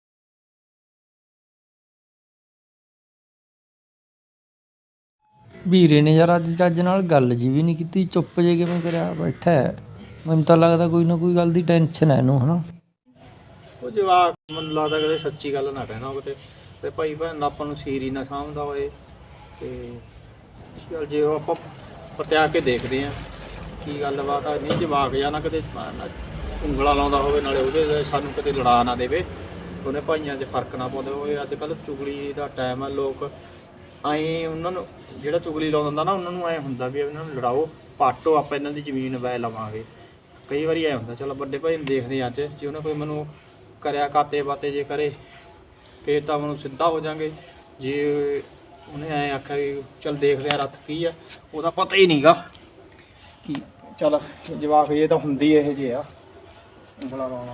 Speaker 5: ਵੀਰੇ ਨੇ ਯਾਰ ਅੱਜ ਚੱਜ ਨਾਲ ਗੱਲ ਜੀ ਵੀ ਨਹੀਂ ਕੀਤੀ, ਚੁੱਪ ਜੇ ਕਿਵੇਂ ਕਰਿਆ ਬੈਠਾ ਹੈ। ਮੈਨੂੰ ਤਾਂ ਲੱਗਦਾ ਕੋਈ ਨਾ ਕੋਈ ਗੱਲ ਦੀ ਟੈਨਸ਼ਨ ਹੈ ਇਹਨੂੰ ਹਨਾ।
Speaker 6: ਉਹ ਜਵਾਕ ਮੈਨੂੰ ਲੱਗਦਾ ਕਦੇ ਸੱਚੀ ਗੱਲ ਨਾ ਕਹਿਣਾ ਕਿਤੇ ਤੇ ਭਾਈ ਭੈਣ ਆਪਾਂ ਨੂੰ ਸੀਰ ਹੀ ਨਾ ਸਮਝਦਾ ਹੋਏ ਤੇ ਚੱਲ ਜੇ ਉਹ ਆਪਾਂ ਪਤਿਆ ਕੇ ਦੇਖਦੇ ਆ ਕੀ ਗੱਲਬਾਤ ਆ। ਨਹੀਂ ਜਵਾਕ ਜਾਂ ਨਾ ਕਿਤੇ ਉਂਗਲਾਂ ਲਾਉਂਦਾ ਹੋਵੇ ਨਾਲੇ ਉਹਦੇ ਸਾਨੂੰ ਕਿਤੇ ਲੜਾ ਨਾ ਦੇਵੇ, ਉਹਨੇ ਭਾਈਆਂ 'ਚ ਫਰਕ ਨਾ ਪਾਉਂਦੇ ਹੋਵੇ। ਅੱਜ ਕੱਲ੍ਹ ਚੁਗਲੀ ਦਾ ਟਾਈਮ ਆ, ਲੋਕ ਐਂ ਉਹਨਾਂ ਨੂੰ ਜਿਹੜਾ ਚੁਗਲੀ ਲਾਉਂਦਾ ਹੁੰਦਾ ਨਾ ਉਹਨਾਂ ਨੂੰ ਐਂ ਹੁੰਦਾ ਵੀ ਇਹਨਾਂ ਨੂੰ ਲੜਾਓ, ਪਾਟੋ, ਆਪਾਂ ਇਹਨਾਂ ਦੀ ਜ਼ਮੀਨ ਵੈ ਲਵਾਂਗੇ। ਕਈ ਵਾਰੀ ਐਂ ਹੁੰਦਾ ਚਲੋ ਵੱਡੇ ਭਾਈ ਨੂੰ ਦੇਖਦੇ ਅੱਜ ਜੇ ਉਹਨੇ ਕੋਈ ਮੈਨੂੰ ਕਰਿਆ ਕਾਤੇ ਬਾਤੇ ਜੇ ਕਰੇ ਫੇਰ ਤਾਂ ਮੈਨੂੰ ਸਿੱਧਾ ਹੋ ਜਾਾਂਗੇ। ਜੇ ਉਹਨੇ ਐਂ ਆਖਿਆ ਵੀ ਚੱਲ ਦੇਖਦੇ ਆ ਰੱਥ ਕੀ ਆ, ਉਹਦਾ ਪਤਾ ਹੀ ਨਹੀਂਗਾ ਕਿ ਚੱਲ ਜਵਾਕ ਇਹ ਤਾਂ ਹੁੰਦੀ ਇਹ ਜੇ ਆ ਉਂਗਲਾ ਲਾਉਣਾ।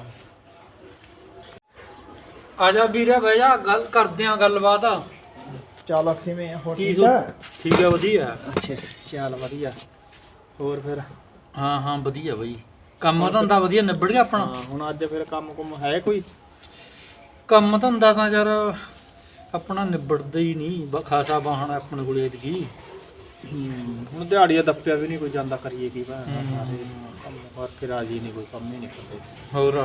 Speaker 3: ਆ ਜਾ ਵੀਰੇ ਬਹਿ ਜਾ, ਗੱਲ ਕਰਦੇ ਆ ਗੱਲਬਾਤ।
Speaker 6: ਚੱਲ ਕਿਵੇਂ ਆ ਹੋਰ
Speaker 3: ਠੀਕ ਆ? ਠੀਕ ਆ ਵਧੀਆ।
Speaker 6: ਅੱਛਾ ਚੱਲ ਵਧੀਆ। ਹੋਰ ਫਿਰ?
Speaker 3: ਹਾਂ ਹਾਂ ਵਧੀਆ ਬਈ, ਕੰਮ ਧੰਦਾ ਵਧੀਆ ਨਿਬੜ ਗਿਆ ਆਪਣਾ।
Speaker 6: ਹਾਂ ਹੁਣ ਅੱਜ ਫਿਰ ਕੰਮ ਕੁਮ ਹੈ ਕੋਈ?
Speaker 3: ਕੰਮ ਧੰਦਾ ਤਾਂ ਯਾਰ ਆਪਣਾ ਨਿਬੜਦਾ ਹੀ ਨਹੀਂ, ਬ ਖਾਸਾ ਬਾਹਣ ਆਪਣੇ ਕੋਲ ਐਤਕੀ।
Speaker 6: ਹੁਣ ਦਿਹਾੜੀਆ ਦੱਪਿਆ ਵੀ ਨਹੀਂ ਕੋਈ ਜਾਂਦਾ, ਕਰੀਏ ਕੀ ਭੈਣ ਸਾਰੇ ਕੰਮ ਕਰਕੇ ਰਾਜੀ ਨਹੀਂ, ਕੋਈ ਕੰਮ ਹੀ ਨਹੀਂ ਕਰਦੇ।
Speaker 3: ਹੋਰ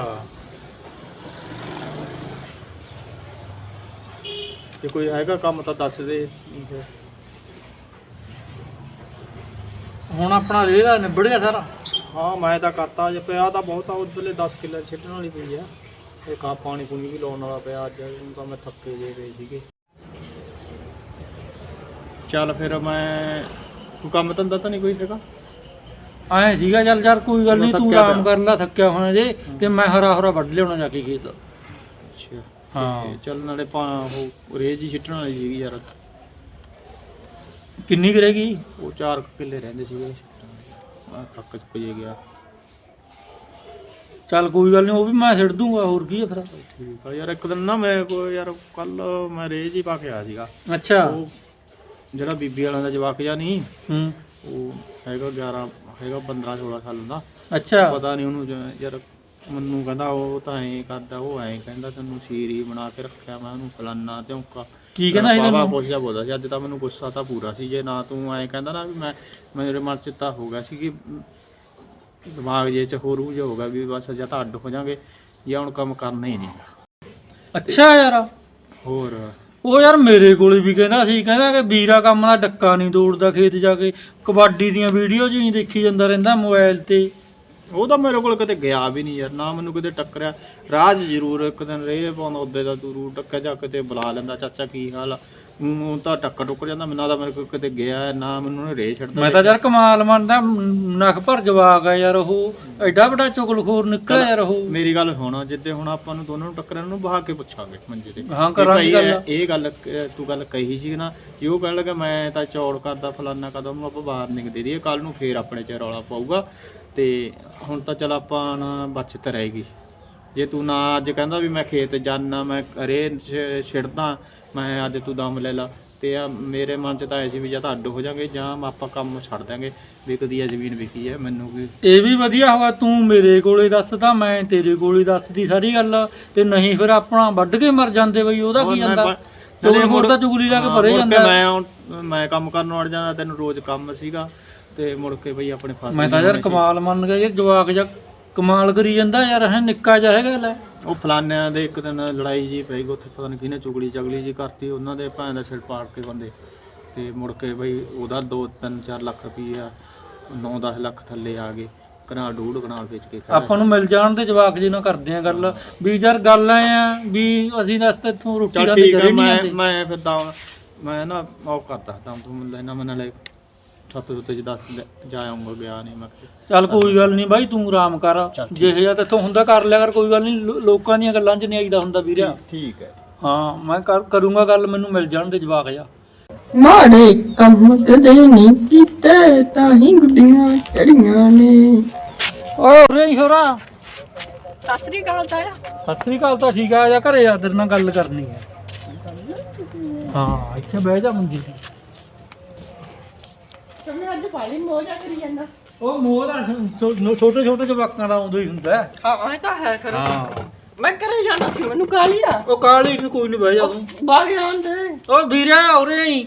Speaker 6: ਜੇ ਕੋਈ ਹੈਗਾ ਕੰਮ ਤਾਂ ਦੱਸ ਦੇ। ਨਹੀਂ ਫਿਰ
Speaker 3: ਹੁਣ ਆਪਣਾ ਰੇਹ ਦਾ ਨਿਬੜ ਗਿਆ ਸਾਰਾ।
Speaker 6: ਹਾਂ ਮੈਂ ਤਾਂ ਕਰਤਾ, ਜੇ ਪਿਆ ਤਾਂ ਬਹੁਤ ਆ, ਉਧਰਲੇ ਦਸ ਕਿੱਲੇ ਛੱਡਣ ਵਾਲੀ ਪਈ ਆ। ਇਹ ਕਾ ਪਾਣੀ ਪੂਣੀ ਵੀ ਲਾਉਣ ਵਾਲਾ ਪਿਆ ਅੱਜ, ਹੁਣ ਤਾਂ ਮੈਂ ਥੱਕੇ ਜੇ ਪਏ ਸੀਗੇ। ਚੱਲ ਫਿਰ ਮੈਂ ਕੋਈ ਕੰਮ ਧੰਦਾ ਤਾਂ ਨਹੀਂ ਕੋਈ ਹੈਗਾ?
Speaker 3: ਐਂ ਸੀਗਾ ਚੱਲ ਯਾਰ ਕੋਈ ਗੱਲ ਨਹੀਂ, ਤੂੰ
Speaker 6: ਥੱਕਿਆ
Speaker 3: ਆਰਾਮ
Speaker 6: ਪਿਆ।
Speaker 3: ਕਰ ਲੈ, ਥੱਕਿਆ ਹੋਣਾ ਜੇ, ਤੇ ਮੈਂ ਹਰਾ ਹਰਾ ਵੱਢ ਲਿਆਉਣਾ ਜਾ ਕੇ ਖੇਤ।
Speaker 6: ਅੱਛਾ
Speaker 3: ਹਾਂ।
Speaker 6: ਤੇ ਚੱਲ ਨਾਲੇ ਪਾ ਉਹ ਰੇਜ ਹੀ ਛੱਡਣ ਵਾਲੀ ਸੀਗੀ ਯਾਰ।
Speaker 3: ਕਿੰਨੀ ਕੁ ਰਹਿ ਗਈ?
Speaker 6: ਉਹ ਚਾਰ ਕੁ ਕਿੱਲੇ ਰਹਿੰਦੇ ਸੀਗੇ, ਮੈਂ ਥੱਕ ਚੁੱਕ ਜੇ ਗਿਆ।
Speaker 3: ਚੱਲ ਕੋਈ ਗੱਲ ਨਹੀਂ, ਉਹ ਵੀ ਮੈਂ ਛੱਡ ਦੂੰਗਾ, ਹੋਰ ਕੀ ਹੈ ਫਿਰ।
Speaker 6: ਠੀਕ ਆ ਯਾਰ। ਇੱਕ ਦਿਨ ਨਾ ਮੈਂ ਕੋਈ ਯਾਰ ਕੱਲ ਮੈਂ ਰੇਜ ਹੀ ਪਾ ਕੇ ਆਇਆ ਸੀਗਾ।
Speaker 3: ਅੱਛਾ।
Speaker 6: ਉਹ ਜਿਹੜਾ ਬੀਬੀ ਵਾਲਿਆਂ ਦਾ ਜਵਾਕ ਜਿਹਾ ਨਹੀਂ,
Speaker 3: ਹੂੰ।
Speaker 6: ਉਹ ਹੈਗਾ ਗਿਆਰਾਂ ਹੈਗਾ ਪੰਦਰਾਂ ਸੋਲਾਂ ਸਾਲ ਦਾ।
Speaker 3: ਅੱਛਾ।
Speaker 6: ਪਤਾ ਨਹੀਂ ਉਹਨੂੰ ਜ- ਯਾਰ ਮੈਨੂੰ ਕਹਿੰਦਾ ਉਹ ਤਾਂ ਐਂ ਕਰਦਾ, ਉਹ ਐਂ ਕਹਿੰਦਾ ਤੈਨੂੰ ਸੀਰ ਹੀ ਬਣਾ ਕੇ ਰੱਖਿਆ, ਮੈਂ ਉਹਨੂੰ ਫਲਾਨਾ ਧੌਂਕਾ
Speaker 3: ਕੀ ਕਹਿੰਦਾ ਸੀ
Speaker 6: ਬਾਬਾ
Speaker 3: ਤੈਨੂੰ?
Speaker 6: ਪੁੱਛਦਾ ਬੋਲਦਾ ਸੀ। ਅੱਜ ਤਾਂ ਮੈਨੂੰ ਗੁੱਸਾ ਤਾਂ ਪੂਰਾ ਸੀ, ਜੇ ਨਾ ਤੂੰ ਐਂ ਕਹਿੰਦਾ ਨਾ ਵੀ ਮੈਂ ਮੇਰੇ ਮਨ 'ਚ ਤਾਂ ਹੋ ਗਿਆ ਸੀ ਕਿ ਦਿਮਾਗ ਜੇ 'ਚ ਹੋਰ ਉਹ ਜਿਹਾ ਹੋ ਗਿਆ ਵੀ ਬਸ ਜਾਂ ਤਾਂ ਅੱਡ ਹੋ ਜਾਵਾਂਗੇ ਜਾਂ ਹੁਣ ਕੰਮ ਕਰਨਾ ਹੀ ਨਹੀਂ।
Speaker 3: ਅੱਛਾ ਯਾਰ।
Speaker 6: ਹੋਰ
Speaker 3: ਉਹ ਯਾਰ ਮੇਰੇ ਕੋਲੇ ਵੀ ਕਹਿੰਦਾ ਸੀ, ਕਹਿੰਦਾ ਕਿ ਵੀਰਾ ਕੰਮ ਦਾ ਡੱਕਾ ਨਹੀਂ ਤੋੜਦਾ, ਖੇਤ ਜਾ ਕੇ ਕਬੱਡੀ ਦੀਆਂ ਵੀਡੀਓ ਜੀ ਦੇਖੀ ਜਾਂਦਾ ਰਹਿੰਦਾ ਮੋਬਾਈਲ ਤੇ।
Speaker 6: ਉਹ ਤਾਂ ਮੇਰੇ ਕੋਲ ਕਿਤੇ ਗਿਆ ਵੀ ਨਹੀਂ ਯਾਰ, ਨਾ ਮੈਨੂੰ ਕਿਤੇ ਟੱਕਰਿਆ। ਰਾਹ 'ਚ ਜ਼ਰੂਰ ਇੱਕ ਦਿਨ ਰੇਹ ਪਾਉਂਦਾ, ਉੱਦੇ ਦਾ ਤੂੰ ਰੂ ਟੱਕਿਆ ਜਾ ਕਿਤੇ ਬੁਲਾ ਲੈਂਦਾ, ਚਾਚਾ ਕੀ ਹਾਲ ਆ, ਉਹ ਤਾਂ ਟੱਕਰ ਟੁੱਕ ਜਾਂਦਾ। ਮੈਨੂੰ ਤਾਂ ਮੇਰੇ ਕੋਲ ਕਿਤੇ ਗਿਆ ਨਾ, ਮੈਨੂੰ ਉਹਨੇ ਰੇਹ ਛੱਡਦਾ।
Speaker 3: ਮੈਂ ਤਾਂ ਯਾਰ ਕਮਾਲ ਮੰਨਦਾ, ਨਖ ਭਰ ਜਵਾਕ ਆ ਯਾਰ, ਉਹ ਐਡਾ ਵੱਡਾ ਚੁਗਲਖੋਰ ਨਿਕਲਿਆ ਯਾਰ ਉਹ।
Speaker 6: ਮੇਰੀ ਗੱਲ ਸੁਣ, ਜਿੱਦੇ ਹੁਣ ਆਪਾਂ ਨੂੰ ਦੋਨਾਂ ਨੂੰ ਟੱਕਰਾਂ ਨੂੰ ਬਹਾ ਕੇ ਪੁੱਛਾਂਗੇ ਮੰਜੇ ਤੇ।
Speaker 3: ਹਾਂ ਕਰਾਂਗੇ ਗੱਲ।
Speaker 6: ਇਹ ਗੱਲ ਤੂੰ ਗੱਲ ਕਹੀ ਸੀ ਨਾ, ਜੇ ਉਹ ਕਹਿਣ ਲੱਗਾ ਮੈਂ ਤਾਂ ਚੌੜ ਕਰਦਾ ਫਲਾਨਾ ਕਰਦਾ, ਉਹਨੂੰ ਆਪਾਂ ਬਾਹਰ ਨਿਕ ਦੇ ਦਈਏ, ਕੱਲ ਨੂੰ ਫੇਰ ਆਪਣੇ 'ਚ ਰੌਲਾ ਪਾਊਗਾ। ਤੇ ਹੁਣ ਤਾਂ ਚਲ ਆਪਾਂ ਨਾ ਬਚਤ ਰਹੇਗੀ। ਜੇ ਤੂੰ ਨਾ ਅੱਜ ਕਹਿੰਦਾ ਵੀ ਮੈਂ ਖੇਤ ਜਾਣਾ, ਮੈਂ ਰੇ ਛਿੜਦਾ, ਮੈਂ ਅੱਜ ਤੂੰ ਦਮ ਲੈ ਲਾ, ਤੇ ਆ ਮੇਰੇ ਮਨ 'ਚ ਤਾਂ ਐ ਸੀ ਵੀ ਜਾਂ ਤਾਂ ਅੱਡ ਹੋ ਜਾਵਾਂਗੇ ਜਾਂ ਆਪਾਂ ਕੰਮ ਛੱਡ ਦਾਂਗੇ। ਵਿਕਦੀ ਆ ਜ਼ਮੀਨ, ਵਿਕੀ ਹੈ ਮੈਨੂੰ ਵੀ।
Speaker 3: ਇਹ ਵੀ ਵਧੀਆ ਹੋਇਆ ਤੂੰ ਮੇਰੇ ਕੋਲੇ ਦੱਸਦਾ, ਮੈਂ ਤੇਰੇ ਕੋਲੇ ਦੱਸਦੀ ਸਾਰੀ ਗੱਲ, ਤੇ ਨਹੀਂ ਫਿਰ ਆਪਣਾ ਵੱਢ ਕੇ ਮਰ ਜਾਂਦੇ ਬਈ। ਉਹਦਾ ਕੀ ਜਾਂਦਾ, ਚੁਗਲਖੋਰ ਦਾ ਚੁਗਲੀ ਲਾ ਕੇ ਭਰੇ ਜਾਂਦਾ।
Speaker 6: ਮੈਂ ਮੈਂ ਕੰਮ ਕਰਨ ਵੜ ਜਾਂਦਾ, ਤੈਨੂੰ ਰੋਜ਼ ਕੰਮ ਸੀਗਾ ਤੇ ਮੁੜ ਕੇ ਬਈ ਆਪਣੇ ਫਸ।
Speaker 3: ਮੈਂ ਤਾਂ ਯਾਰ ਕਮਾਲ ਮੰਨ ਗਿਆ ਯਾਰ, ਜਵਾਕ ਜਾ ਕਮਾਲ ਕਰੀ ਜਾਂਦਾ ਯਾਰ, ਹੈ ਨਿੱਕਾ ਜਿਹਾ ਹੈਗਾ ਲੈ।
Speaker 6: ਉਹ ਫਲਾਨਿਆਂ ਦੇ ਇੱਕ ਦਿਨ ਲੜਾਈ ਜੀ ਪਈ ਗਈ ਉੱਥੇ, ਪਤਾ ਨਹੀਂ ਕਿਹਨੇ ਚੁਗਲੀ ਚਗਲੀ ਜੀ ਕਰਤੀ, ਉਹਨਾਂ ਦੇ ਭੈਣ ਦਾ ਸਿਰ ਪਾੜ ਕੇ ਬੰਦੇ, ਤੇ ਮੁੜ ਕੇ ਬਈ ਉਹਦਾ ਦੋ ਤਿੰਨ ਚਾਰ ਲੱਖ ਰੁਪਈਆ, ਨੌ ਦਸ ਲੱਖ ਥੱਲੇ ਆ ਗਏ। ਕਨਾਲ ਡੂਢ ਕਨਾਲ ਵੇਚ ਕੇ
Speaker 3: ਆਪਾਂ ਨੂੰ ਮਿਲ ਜਾਣ ਦੇ ਜਵਾਕ ਜੀ ਨਾਲ ਕਰਦੇ ਆ ਗੱਲ ਵੀ ਯਾਰ, ਗੱਲ ਐ ਆ ਵੀ ਅਸੀਂ ਦੱਸ ਤੇ ਇੱਥੋਂ ਰੋਟੀ
Speaker 6: ਚੱਲ
Speaker 3: ਰਾਤੀ
Speaker 6: ਠੀਕ ਆ।
Speaker 3: ਕਰੀ ਨਹੀਂ
Speaker 6: ਮੈਂ
Speaker 3: ਜਾਂਦੇ।
Speaker 6: ਮੈਂ ਫਿਰ ਦਮ ਮੈਂ ਨਾ ਉਹ ਕਰਦਾ ਦਮ ਤੂੰ ਲੈਣਾ, ਮੈਂ ਨਾਲੇ ਛੱਤ ਸੁੱਤੇ ਚ ਦੱਸ ਜਾ ਆਉਂਗਾ, ਗਿਆ ਨਹੀਂ ਮੈਂ।
Speaker 3: ਚੱਲ ਕੋਈ ਗੱਲ ਨਹੀਂ ਬਾਈ, ਤੂੰ ਆਰਾਮ ਕਰ, ਜਿਹੇ ਜਿਹਾ ਤੇਥੋਂ ਹੁੰਦਾ ਕਰ ਲਿਆ ਕਰ, ਕੋਈ ਗੱਲ ਨਹੀਂ। ਲੋਕਾਂ ਦੀਆਂ ਗੱਲਾਂ 'ਚ ਨਹੀਂ ਆਈਦਾ ਹੁੰਦਾ ਵੀਰਿਆ।
Speaker 6: ਠੀਕ ਹੈ।
Speaker 3: ਹਾਂ ਮੈਂ ਕਰ ਕਰੂੰਗਾ ਗੱਲ, ਮੈਨੂੰ ਮਿਲ ਜਾਣ ਦੇ ਜਵਾਕ ਜਾ।
Speaker 1: ਮਾੜੇ ਕੰਮ ਕਦੇ ਨਹੀਂ ਕੀਤੇ, ਤਾਂ ਹੀ ਗੁੱਡੀਆਂ ਚੜੀਆਂ ਨੇ।
Speaker 3: ਓ ਰੇ ਹੋਰਾ,
Speaker 1: ਸਤਿ ਸ੍ਰੀ ਅਕਾਲ ਤਾਇਆ।
Speaker 3: ਸਤਿ ਸ੍ਰੀ ਅਕਾਲ। ਤਾਂ ਠੀਕ ਆ, ਜਾ ਘਰੇ ਆ, ਤੇਰੇ ਨਾਲ ਗੱਲ ਕਰਨੀ ਹੈ। ਹਾਂ ਇੱਥੇ ਬਹਿ ਜਾ ਮੰਜੀ ਤੇ।
Speaker 1: ਮੈਂ ਅੱਜ ਪਾਲੀ ਮੋਜਾ ਕਰੀ ਜਾਂਦਾ।
Speaker 3: ਉਹ ਮੋਹ ਦਾ ਛੋਟੇ ਛੋਟੇ ਜਵਾਕਾਂ ਦਾ ਆਉਂਦਾ ਹੀ ਹੁੰਦਾ।
Speaker 1: ਹਾਂ ਇਹ ਤਾਂ ਹੈ ਕਰ।
Speaker 3: ਹਾਂ
Speaker 1: ਮੈਂ ਘਰੇ ਜਾਣਾ ਸੀ, ਮੈਨੂੰ ਕਾਲੀ ਆ।
Speaker 3: ਉਹ ਕਾਲੀ ਨੂੰ ਕੋਈ ਨਹੀਂ, ਬਹਿ ਜਾ ਤੂੰ।
Speaker 1: ਬਾਗ ਆਉਂਦੇ।
Speaker 3: ਓ ਵੀਰਿਆ ਉਰੇ ਹੀ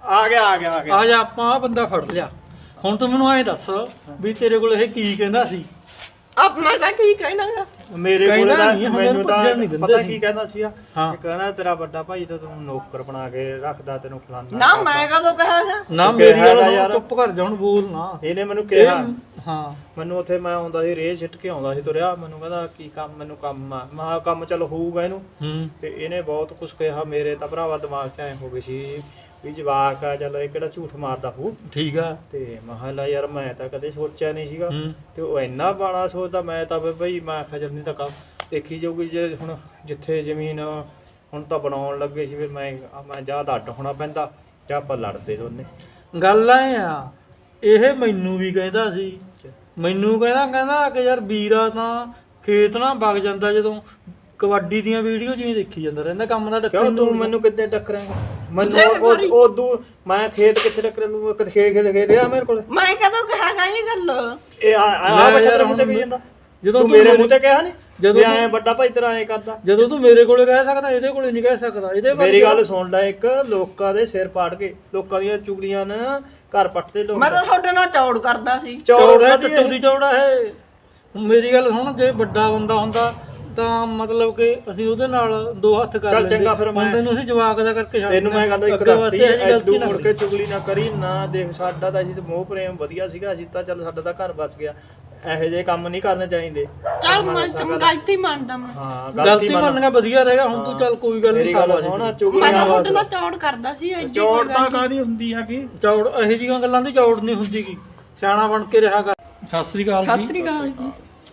Speaker 6: ਆ ਗਿਆ ਆ ਗਿਆ ਆ ਗਿਆ
Speaker 3: ਆ ਜਾ ਆਪਾਂ ਆਹ ਬੰਦਾ ਫੜ ਲਿਆ। ਹੁਣ ਤੂੰ ਮੈਨੂੰ ਐਂ ਦੱਸ ਵੀ ਤੇਰੇ ਕੋਲ ਇਹ ਕੀ ਕਹਿੰਦਾ ਸੀ?
Speaker 1: ਆਪਣਾ ਤਾਂ ਕੀ ਕਹਿਣਾ ਗਾ?
Speaker 6: ਮੇਰੇ ਕੋਲ
Speaker 3: ਕਹਿੰਦਾ
Speaker 6: ਤਾਂ
Speaker 3: ਨਹੀਂ, ਹੁਣ
Speaker 6: ਮੈਨੂੰ ਤਾਂ
Speaker 3: ਭੱਜਣ ਨਹੀਂ ਦਿੰਦੇ
Speaker 6: ਪਤਾ
Speaker 3: ਸੀ।
Speaker 6: ਕੀ ਕਹਿੰਦਾ ਸੀ ਆ
Speaker 3: ਹਾਂ।
Speaker 6: ਕਿ ਕਹਿੰਦਾ ਤੇਰਾ ਵੱਡਾ ਭਾਈ ਤਾਂ ਤੈਨੂੰ ਨੌਕਰ ਬਣਾ ਕੇ ਰੱਖਦਾ, ਤੈਨੂੰ ਖਿਲਾਉਂਦਾ
Speaker 1: ਨਾ ਮੈਂ ਕਦੋਂ ਕਹਾਂਗਾ?
Speaker 3: ਨਾ
Speaker 6: ਤੂੰ
Speaker 3: ਮੇਰੀ
Speaker 6: ਕਿਹਾ
Speaker 3: ਗੱਲ
Speaker 6: ਤਾਂ
Speaker 3: ਸੁਣ,
Speaker 6: ਯਾਰ।
Speaker 3: ਚੁੱਪ ਕਰ ਜਾ ਹੁਣ, ਬੋਲ ਨਾ।
Speaker 6: ਇਹਨੇ ਮੈਨੂੰ
Speaker 3: ਇਹ
Speaker 6: ਕਿਹਾ
Speaker 3: ਹਾਂ
Speaker 6: ਮੈਨੂੰ ਉੱਥੇ ਮੈਂ ਆਉਂਦਾ ਸੀ ਰੇਹ ਛਿੱਟ ਕੇ ਆਉਂਦਾ ਸੀ ਤੁਰਿਆ, ਮੈਨੂੰ ਕਹਿੰਦਾ ਕੀ ਕੰਮ, ਮੈਨੂੰ ਕੰਮ ਆ। ਮੈਂ ਕਿਹਾ ਕੰਮ ਚੱਲ ਹੋਊਗਾ ਇਹਨੂੰ।
Speaker 3: ਹੂੰ
Speaker 6: ਤੇ ਇਹਨੇ ਬਹੁਤ ਕੁਝ ਕਿਹਾ। ਮੇਰੇ ਤਾਂ ਭਰਾਵਾ ਦਿਮਾਗ 'ਚ ਐ ਹੋ ਗਈ ਸੀ ਵੀ ਜਵਾਕ ਆ, ਚੱਲ ਇਹ ਕਿਹੜਾ ਝੂਠ ਮਾਰਦਾ ਹੋਊ।
Speaker 3: ਠੀਕ ਆ।
Speaker 6: ਤੇ ਮੈਂ ਕਿਹਾ ਲੈ ਯਾਰ ਮੈਂ ਤਾਂ ਕਦੇ ਸੋਚਿਆ ਨਹੀਂ ਸੀਗਾ।
Speaker 3: ਹੂੰ
Speaker 6: ਤੇ ਉਹ ਇੰਨਾ ਬਾਣਾ ਸੋਚਦਾ, ਮੈਂ ਤਾਂ ਵੀ ਬਈ ਮੈਂ ਆਖਿਆ ਚੱਲ ਨਹੀਂ ਤਾਂ ਕੰਮ ਦੇਖੀ ਜਾਊਗੀ। ਜੇ ਹੁਣ ਜਿੱਥੇ ਜ਼ਮੀਨ ਹੁਣ ਤਾਂ ਬਣਾਉਣ ਲੱਗੇ ਸੀ, ਫਿਰ ਮੈਂ ਮੈਂ ਜਾਂ ਤਾਂ ਅੱਡ ਹੋਣਾ ਪੈਂਦਾ ਜਾਂ ਆਪਾਂ ਲੜਦੇ ਦੋਨੇ।
Speaker 3: ਗੱਲ ਐ ਆ, ਇਹ ਮੈਨੂੰ ਵੀ ਕਹਿੰਦਾ ਸੀ, ਮੈਨੂੰ ਕਹਿੰਦਾ ਕਹਿੰਦਾ ਕਿ ਯਾਰ ਵੀਰਾ ਤਾਂ ਖੇਤ ਨਾ ਵਗ ਜਾਂਦਾ ਜਦੋਂ ਕਬੱਡੀ ਦੀਆਂ ਵੀਡੀਓ ਜਿਵੇਂ ਦੇਖੀ ਜਾਂਦਾ ਰਹਿੰਦਾ, ਕੰਮ ਦਾ
Speaker 6: ਕਿਉਂ
Speaker 3: ਡੱਕਣ
Speaker 6: ਤੂੰ
Speaker 3: ਨੂੰ।
Speaker 6: ਮੈਨੂੰ ਕਿੱਦਾਂ ਟੱਕਰਾਂਗਾ? ਮੈਨੂੰ ਉਦੋਂ ਮੈਂ ਖੇਤ ਕਿੱਥੇ ਟੱਕਰਾਂ ਨੂੰ? ਖੇਤ ਖੇਤ ਖੇਤ ਆ ਮੇਰੇ ਕੋਲ।
Speaker 1: ਮੈਂ ਕਦੋਂ ਕਹਾਂਗਾ ਇਹ ਗੱਲ?
Speaker 6: ਇਹ ਆ ਆ
Speaker 3: ਲੈ
Speaker 6: ਬੱਚਾ
Speaker 3: ਯਾਰ
Speaker 6: ਤੇਰੇ ਮੂੰਹ ਤੇ
Speaker 3: ਹੁਣ
Speaker 6: ਵੀ ਜਾਂਦਾ।
Speaker 3: ਜਦੋਂ
Speaker 6: ਤੂੰ
Speaker 3: ਤੂੰ
Speaker 6: ਮੇਰੇ ਮੂੰਹ ਤੇ ਕਿਹਾ ਨਹੀਂ
Speaker 3: ਜਦੋਂ
Speaker 6: ਜਦੋਂ ਐ ਵੱਡਾ ਭਾਈ ਤੇਰਾ ਐ ਕਰਦਾ।
Speaker 3: ਜਦੋਂ ਤੂੰ ਮੇਰੇ ਕੋਲੇ ਕਹਿ ਸਕਦਾ, ਇਹਦੇ ਕੋਲੇ ਨਹੀਂ ਕਹਿ ਸਕਦਾ। ਇਹਦੇ ਬਾਰੇ
Speaker 6: ਮੇਰੀ ਗੱਲ ਸੁਣ ਲੈ, ਇੱਕ ਲੋਕਾਂ ਦੇ ਸਿਰ ਪਾੜ ਕੇ ਲੋਕਾਂ ਦੀਆਂ ਚੁਗਲੀਆਂ ਨੇ ਨਾ ਘਰ ਪੱਟਦੇ ਲੋਕ।
Speaker 1: ਮੈਂ ਤਾਂ ਤੁਹਾਡੇ ਨਾਲ ਚੌੜ ਕਰਦਾ ਸੀ।
Speaker 3: ਚੌੜ ਹੈ,
Speaker 6: ਵਧੀਆ।
Speaker 3: ਟੱਟੂ ਦੀ ਚੌੜਾ ਹੈ। ਮੇਰੀ ਗੱਲ ਸੁਣ, ਜੇ ਵੱਡਾ ਬੰਦਾ ਹੁੰਦਾ ਤਾਂ ਮਤਲਬ ਕਿ ਅਸੀਂ ਉਹਦੇ ਨਾਲ ਦੋ ਹੱਥ ਕਰ
Speaker 6: ਚੱਲ
Speaker 3: ਲੈਂਦੇ।
Speaker 6: ਚੰਗਾ ਫਿਰ
Speaker 3: ਹੁਣ
Speaker 6: ਮੈਂ-
Speaker 3: ਤੈਨੂੰ ਅਸੀਂ ਜਵਾਕ ਦਾ ਕਰਕੇ ਛੱਡ
Speaker 6: ਤੈਨੂੰ ਮੈਂ ਗੱਲ ਇੱਕ
Speaker 3: ਅੱਗੇ ਵਾਸਤੇ
Speaker 6: ਦੱਸਤੀ,
Speaker 3: ਇਹੋ ਜਿਹੀ ਗਲਤੀ
Speaker 6: ਐਡੂ
Speaker 3: ਨਾ
Speaker 6: ਮੁੜ
Speaker 3: ਕਰੀ।
Speaker 6: ਕੇ ਚੁਗਲੀ ਨਾ ਕਰੀ ਨਾ। ਦੇਖ ਸਾਡਾ ਤਾਂ ਅਸੀਂ ਤੇ ਮੋਹ ਪ੍ਰੇਮ ਵਧੀਆ ਸੀਗਾ, ਅਸੀਂ ਤਾਂ ਚੱਲ ਸਾਡਾ ਤਾਂ ਘਰ ਬਚ ਗਿਆ। ਇਹੋ ਜਿਹੇ ਕੰਮ ਨਹੀਂ ਕਰਨੇ ਚਾਹੀਦੇ।
Speaker 1: ਚੱਲ ਮੈਂ ਤਾਂ ਗਲਤੀ ਮੰਨਦਾ ਮੈਂ।
Speaker 6: ਹਾਂ
Speaker 3: ਗਲਤੀ ਮੰਨਣਾ ਵਧੀਆ ਰਹੇਗਾ। ਹੁਣ ਤੂੰ ਚੱਲ ਕੋਈ ਗੱਲ ਨਹੀਂ,
Speaker 6: ਮੇਰੀ ਗੱਲ ਸੁਣ,
Speaker 1: ਮੈਂ
Speaker 6: ਚੁਗਲੀਆਂ
Speaker 1: ਤਾਂ ਤੁਹਾਡੇ ਨਾਲ ਚੌੜ ਕਰਦਾ ਸੀ। ਐਡੀ
Speaker 6: ਚੌੜ
Speaker 1: ਕੋਈ
Speaker 6: ਤਾਂ
Speaker 1: ਗੱਲ ਨੀ।
Speaker 6: ਕਾਹਦੀ ਹੁੰਦੀ ਆ ਕੀ?
Speaker 3: ਚੌੜ ਇਹੋ ਜਿਹੀਆਂ ਗੱਲਾਂ ਦੀ ਚੌੜ ਨਹੀਂ ਹੁੰਦੀ ਗੀ, ਸਿਆਣਾ ਬਣ ਕੇ ਰਿਹਾ ਕਰ। ਸਤਿ ਸ੍ਰੀ ਅਕਾਲ
Speaker 1: ਸਤਿ
Speaker 3: ਜੀ।
Speaker 1: ਸ੍ਰੀ ਅਕਾਲ ਜੀ।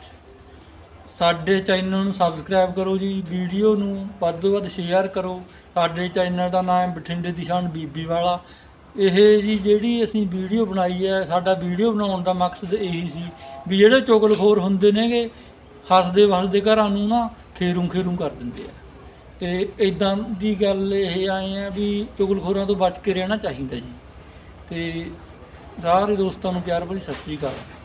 Speaker 3: ਸਾਡੇ ਚੈਨਲ ਨੂੰ ਸਬਸਕ੍ਰਾਈਬ ਕਰੋ ਜੀ, ਵੀਡੀਓ ਨੂੰ ਵੱਧ ਤੋਂ ਵੱਧ ਸ਼ੇਅਰ ਕਰੋ। ਸਾਡੇ ਚੈਨਲ ਦਾ ਨਾਮ ਹੈ ਬਠਿੰਡੇ ਦੀ ਸ਼ਾਨ ਬੀਬੀ ਵਾਲਾ। ਇਹ ਜੀ ਜਿਹੜੀ ਅਸੀਂ ਵੀਡੀਓ ਬਣਾਈ ਹੈ, ਸਾਡਾ ਵੀਡੀਓ ਬਣਾਉਣ ਦਾ ਮਕਸਦ ਇਹੀ ਸੀ ਵੀ ਜਿਹੜੇ ਚੁਗਲਖੋਰ ਹੁੰਦੇ ਨੇਗੇ, ਹੱਸਦੇ ਵਸਦੇ ਘਰਾਂ ਨੂੰ ਨਾ ਖੇਰੂ ਖੇਰੂ ਕਰ ਦਿੰਦੇ ਆ। ਤੇ ਇਦਾਂ ਦੀ ਗੱਲ ਇਹ ਆਏ ਆ ਵੀ ਚੁਗਲਖੋਰਾਂ ਤੋਂ ਬਚ ਕੇ ਰਹਿਣਾ ਚਾਹੀਦਾ ਜੀ। ਤੇ ਸਾਰੇ ਦੋਸਤਾਂ ਨੂੰ ਪਿਆਰ ਭਰੀ ਸਤਿ ਸ੍ਰੀ ਅਕਾਲ।